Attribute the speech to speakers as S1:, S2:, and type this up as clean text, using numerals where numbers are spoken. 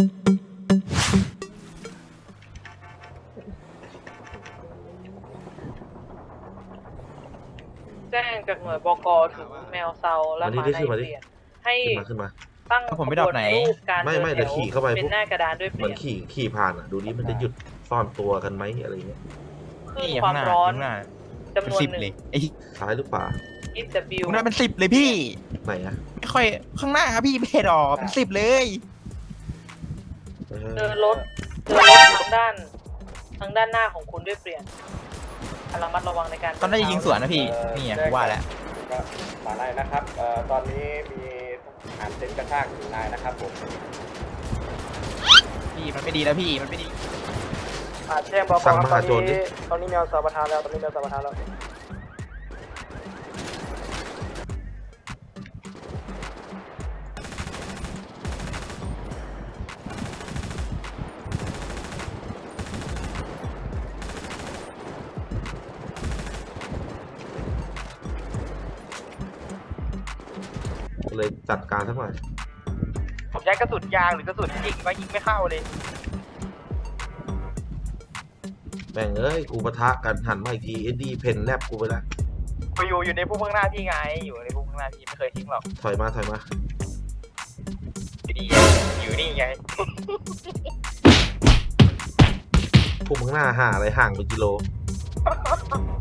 S1: แจ้งจากหน่วยบก.ถึงแมวเซาและหมาในเปลี่ยนให้
S2: ขึ้นมา
S1: ตั้ง
S3: ผมไม่ดอกไหน
S1: การ
S2: ไม่เดี๋ยวขี่เข้าไป
S1: เป็นหน้ากระดานด้วยเป
S2: เหมือ
S1: ลี่
S2: น
S1: ยน
S2: ขี่ผ่านอ่ะดูนี่มันจะหยุดซ่อนตัวกันไหมอะไรเงี้ย
S1: คลื่นความร้อนจำนวน
S3: 10
S1: หนึ่
S3: เล
S1: ง
S3: ยไอ้
S2: ซ้ายหรือขวา
S1: EW
S3: คุณน่าเป็น10เลยพี่
S2: ไหนอะ
S3: ไม่ค่อยข้างหน้าครับพี่ไม่เห็นหรอกเป็น10เลย
S1: เดินรถทางด้านหน้าของคุณด้วยเปลี่ยนระมัดระวังในการ
S3: ตอนนั้นจะยิงสวนนะพี่นี่อ่ะว่าแล้ว
S4: ก็มาได้นะครับตอนนี้มีทหารเต็นท์กระชากถึงนายนะครับผม
S3: พี่มันไม่ดีแล้วพี่มันไม่ดี
S1: แจ้งบก.
S2: สั่งมหาโจรดิ
S1: ตอนนี้แมวเซาประทานแล้วตอนนี้แมวเซาประทานแล้ว
S2: เลยจัดการสักหน่อย
S3: ผมใช้กระสุนยางหรือกระสุนยิงมายิงไม่เข้าเลย
S2: แม่งเอ้ยกูปะทะกันหันมาอีกทีเอ็ดดี้เพนแลบกูไปแล้ว
S3: ไปอยู่ในพวกข้างหน้าพี่ไงอยู่ในพวกข้างหน้าพี่ไม่เคยทิ้งหรอก
S2: ถอยมา
S3: อยู่นี่ไง
S2: พวกมึงหน้าห่าอะไรห่างเป็นกิโล